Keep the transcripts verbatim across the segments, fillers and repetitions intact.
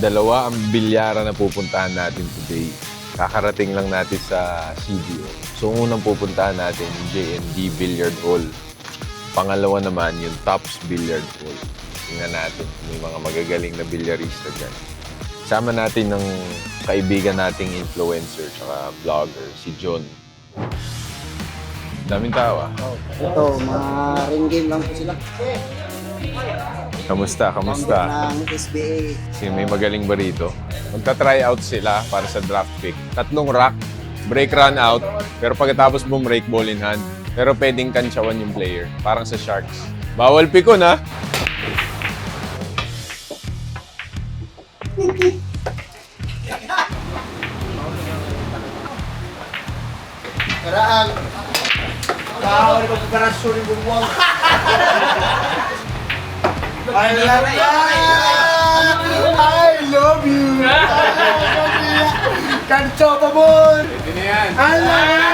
Dalawa ang bilyara na pupuntahan natin today. Kakarating lang natin sa C D O. So, unang pupuntahan natin yung J and D Billiard Hall. Pangalawa naman yung Tops Billiard Hall. Tingnan natin kung may mga magagaling na bilyarista dyan. Sama natin ng kaibigan nating influencer at vlogger, si John. Daming tao ah. Ito, mga ring game lang po sila. Kamusta? Kamusta? Ng S B A. Kasi may magaling ba rito? Magta-try out sila para sa draft pick. Tatlong rack, break run out, pero pagkatapos bumrake, ball in hand. Pero pwedeng kantsawan yung player. Parang sa Sharks. Bawal pikon ha! Karaan. Tao, di ba preparasyon yung bumuwang? I love you! I love you! Kanto pa mo! Pwede na yan. I love you!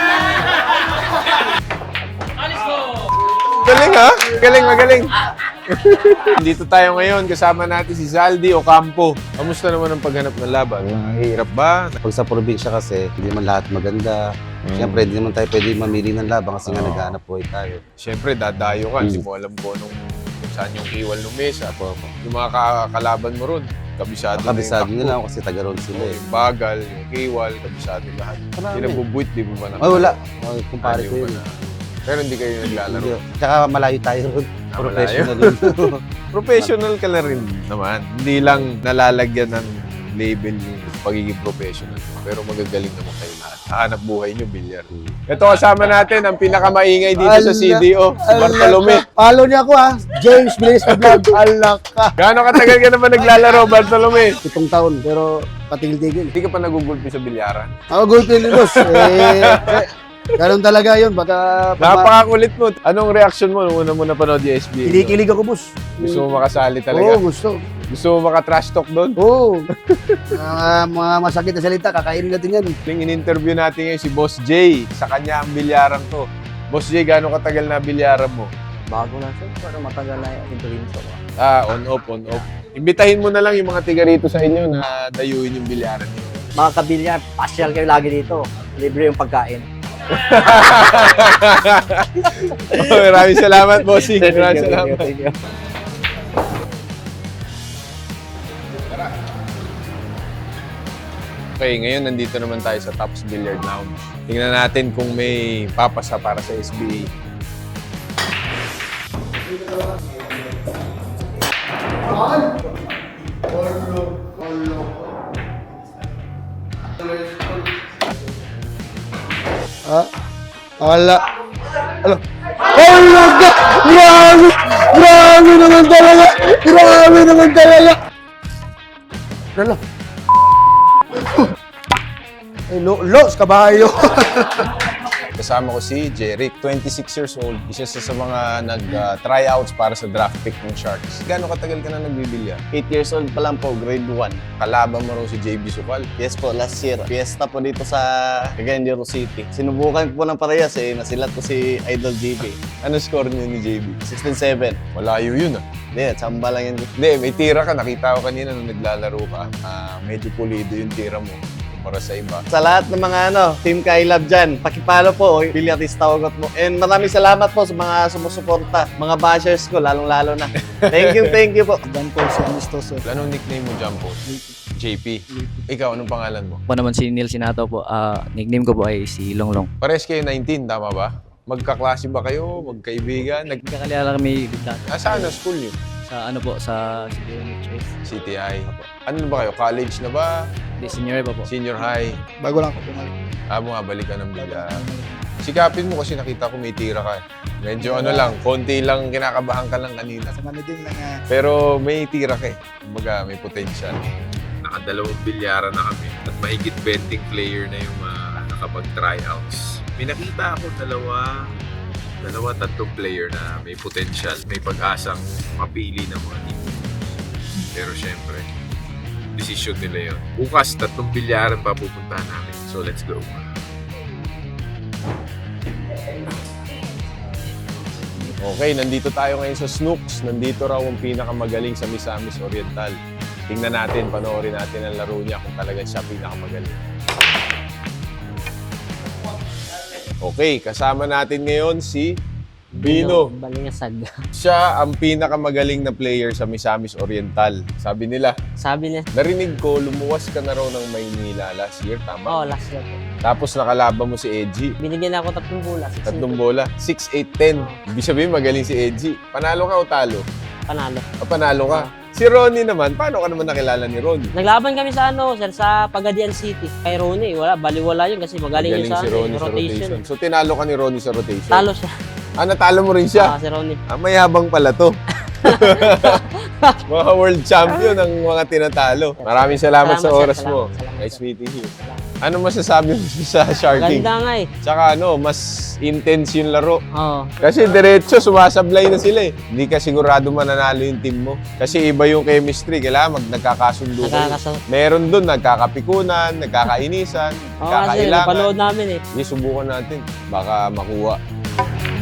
Galing ha? Galing, magaling. Dito tayo ngayon, kasama natin si Zaldi Ocampo. Kamusta naman ang paghanap ng laban? Hirap ba? Pag sa probinsya kasi, hindi naman lahat maganda. Mm. Siyempre, hindi naman tayo pwede mamili ng laban kasi nga Oo. naghahanap buhay tayo. Siyempre, dadayo ka. Hindi mo alam po nung kung saan yung iwal ng mesa. Yung mga ka- kalaban mo ron, kabisado, Kabisado na yung nila takbo. ako kasi taga-roon sila eh. Yung bagal, yung kiwal, kabisado lahat. Marami. Hindi nagbubuit, di mo ba na? Ay, wala. Ay, kumpare Ayaw ko ba yun. na? Pero hindi kayo naglalaro. Hindi. Tsaka malayo tayo ron. Ah, Professional yun. Professional ka na rin naman. Hindi lang nalalagyan ng label yung pagiging professional. Pero magagaling naman kayo lahat. Hanap buhay nyo, bilyar. Ito kasama natin ang pinakamaingay dito sa C D O, si Bartolome. Follow niya ako ha. James Blaze na vlog. Alak ka. Gaano katagal ka naman naglalaro, Bartolome? Pitong taon, pero patigil-tigil. Hindi ka pa nagugulpi sa bilyaran. Ako gulpin ni boss. Eh, ganun talaga yun. Baka... Napakakulit mo. Anong reaction mo nung una mo napanood yung S B A? Kinikilig ako, boss. Gusto mo makasali Oo, talaga? gusto. Gusto mo maka-trash talk doon? Oo. Mga mga masakit na salita, kakainin natin yan. Yung in-interview natin ngayon si Boss J. Sa kanya ang bilyaran to. Boss J, gaano katagal na bilyaran mo? Bago na siya, pero matagal na yung influence ako. Ah, on-off, on-off. Imbitahin mo na lang yung mga tiga rito sa inyo na dayuin yung bilyaran niyo. Mga kabilya, pasyal kayo lagi dito. Libre yung pagkain. Oh, maraming salamat, Bossing. Maraming salamat. Thank you. Okay, ngayon nandito naman tayo sa Tops Billiard Lounge. Tingnan natin kung may papasa para sa S B A. Ah, ala. Alo. Ala ka! Grabe! Grabe naman talaga! Grabe naman talaga! Ala. Ay, lo, los, kabayo! Kasama ko si Jeric, twenty-six years old. Isa sa, sa mga nag-tryouts para sa draft pick ng Sharks. Gaano katagal ka na nagbibilya? eight years old pa lang po, grade one. Kalaban mo raw si J B Sukal. Yes po, last year. Fiesta po dito sa Cagayan de Oro City. Sinubukan ko po ng parehas eh, nasilat ko si Idol J B. Ano score niyo ni J B? sixteen seven. Malayo yun ah. Hindi, tsamba lang yun. Hindi, may tira ka. Nakita ko kanina nung naglalaro ka. Ah, medyo pulido yung tira mo para sa iba. Sa lahat ng mga ano, Team Kailab dyan, pakipalo po, bilyatista ugot mo. And maraming salamat po sa mga sumusuporta, mga bashers ko, lalong-lalo na. Thank you, thank you po. Dan po si Amistoso. Anong nickname mo, Jumbo? J P. Ikaw, anong pangalan mo? Ako naman si Neil Sinato po. Ah, nickname ko po ay si Longlong. Pares kayo nineteen, tama ba? Magkaklase ba kayo? Magkaibigan? Nag Nagkakalala kami dati ah, saan ang school niyo? sa ano po, sa C D O N H S. C T I. Ano na ba kayo? College na ba? Di senior pa po. Senior high? Bago lang ako pumalik. Ah, bumabalik ka ng bigla. Sikapin mo kasi nakita ko may tira ka. Medyo ano lang, konti lang kinakabahan ka lang kanina. Sa managing lang nga. Pero may tira ka eh. Kumbaga, may potential. Nakadalawang bilyara na kami at mahigit twenty player na yung uh, nakapag-tryouts. May nakita ako dalawa, dalawa, tatlong player na may potential, may pag-asang mapili ng mga team. Pero syempre, decision nila yun. Bukas, tatlong bilyaran pa pupuntahan namin. So let's go. Okay, nandito tayo ngayon sa Snooks. Nandito raw ang pinakamagaling sa Misamis Oriental. Tingnan natin, panoorin natin ang laro niya kung talagang siya pinakamagaling. Okay, kasama natin ngayon si Bino. Balingasag. Siya ang pinakamagaling na player sa Misamis Oriental. Sabi nila, Sabi niya, narinig ko, lumuwas ka na raw ng Maynila last year, tama? oh, last year po. Tapos nakalaban mo si Edgy. Binigyan ako tatlong bola. six Tatlong eight. bola, six eight ten. Ibig sabihin, magaling si Edgy. Panalo ka o talo? Panalo. O panalo ka? Si Ronnie naman, paano ka naman nakilala ni Ronnie? Naglaban kami sa ano, sir, sa Pagadian City. Kay Ronnie, wala, baliwala yun kasi magaling yun Magaling sa, si ano, Ronnie sa rotation. rotation. So tinalo ka ni Ronnie sa rotation? Talo siya. Ah, natalo mo rin siya? Ah, si Ronnie. Ah, mayabang pala to. Mga world champion ang mga tinatalo. Maraming salamat, Salamat, sa sir. oras mo. Salamat, salamat, Nice sir. meeting you. Ano masasabi mo sa Sharking? Ganda nga eh. Tsaka ano, mas intense yung laro. Oo. Kasi diretso, sumasablay na sila eh. Hindi ka sigurado mananalo yung team mo. Kasi iba yung chemistry. Kailangan mag nagkakasundo kayo. Nakakasal. Meron dun, nagkakapikunan, nagkakainisan, Oo, kasi nagkakailangan. napanood namin eh. Sige, subukan natin. Baka makuha.